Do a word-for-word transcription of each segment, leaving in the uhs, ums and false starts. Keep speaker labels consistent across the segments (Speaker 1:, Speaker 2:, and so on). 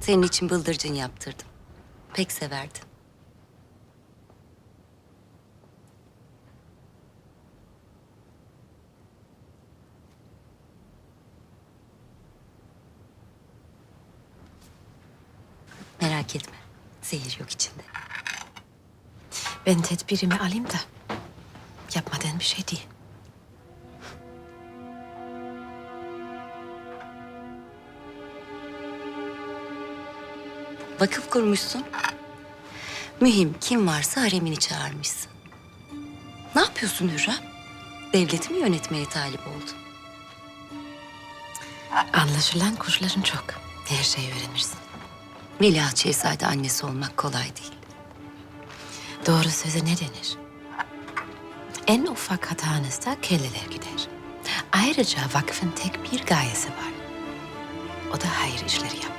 Speaker 1: Senin için bıldırcın yaptırdım. Pek severdin. Merak etme. Zehir yok içinde.
Speaker 2: Ben tedbirimi alayım da yapmadığın bir şey değil.
Speaker 1: Vakıf kurmuşsun. Mühim kim varsa haremini çağırmışsın. Ne yapıyorsun Hürrem? Devleti mi yönetmeye talip oldun?
Speaker 2: Anlaşılan kursların çok. Her şeyi öğrenirsin.
Speaker 1: Veliaht Şehzade annesi olmak kolay değil.
Speaker 2: Doğru söze ne denir? En ufak hatanızda kelleler gider. Ayrıca vakfın tek bir gayesi var. O da hayır işleri yapmak.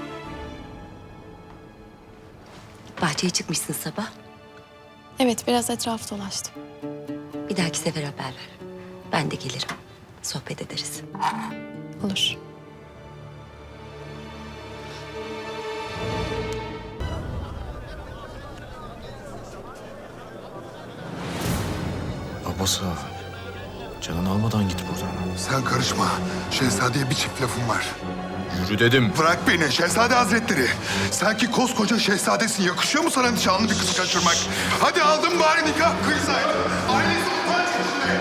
Speaker 1: Bahçeye çıkmışsın sabah.
Speaker 3: Evet, biraz etraf dolaştım.
Speaker 1: Bir dahaki sefer haber ver. Ben de gelirim. Sohbet ederiz.
Speaker 3: Olur.
Speaker 4: Abbas ağa, canını almadan git buradan.
Speaker 5: Sen karışma. Şehzadeye bir çift lafım var.
Speaker 4: Yürü dedim.
Speaker 5: Bırak beni Şehzade Hazretleri. Sen ki koskoca şehzadesin. Yakışıyor mu sana nişanlı bir kızı kaçırmak? Hadi aldım bari nikah kıysaydın. Ailesi utanç içinde.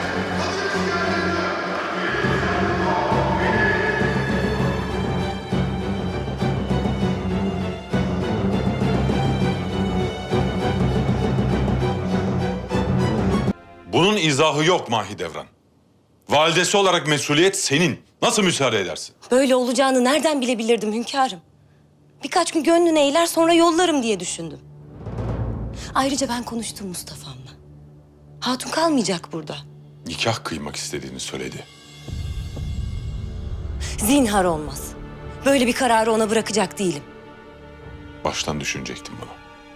Speaker 6: Bunun izahı yok Mahidevran. Validesi olarak mesuliyet senin. Nasıl müsaade edersin?
Speaker 1: Böyle olacağını nereden bilebilirdim hünkârım? Birkaç gün gönlüne eğiler sonra yollarım diye düşündüm. Ayrıca ben konuştum Mustafa'mla. Hatun kalmayacak burada.
Speaker 6: Nikah kıymak istediğini söyledi.
Speaker 1: Zinhar olmaz. Böyle bir kararı ona bırakacak değilim.
Speaker 6: Baştan düşünecektim bunu.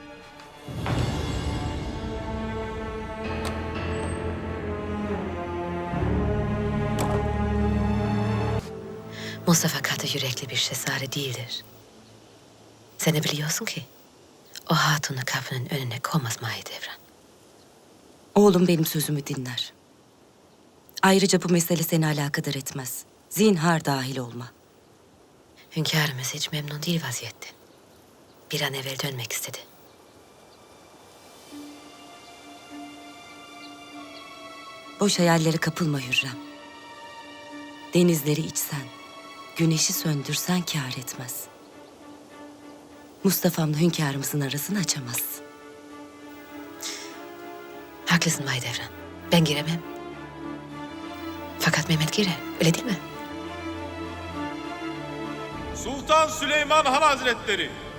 Speaker 2: Mustafa katı yürekli bir şehzade değildir. Sen de biliyorsun ki o hatunu kapının önüne koymaz Mahidevran.
Speaker 1: Oğlum benim sözümü dinler. Ayrıca bu mesele seni alakadar etmez. Zinhar dahil olma.
Speaker 2: Hünkârımız hiç memnun değil vaziyetten. Bir an evvel dönmek istedi.
Speaker 1: Boş hayallere kapılma Hürrem. Denizleri içsen, güneşi söndürsen kâr etmez. Mustafa'mla hünkârımızın arasını açamazsın.
Speaker 2: Haklısın Mahidevran. Ben giremem. Fakat Mehmet girer. Öyle değil mi?
Speaker 7: Sultan Süleyman Han Hazretleri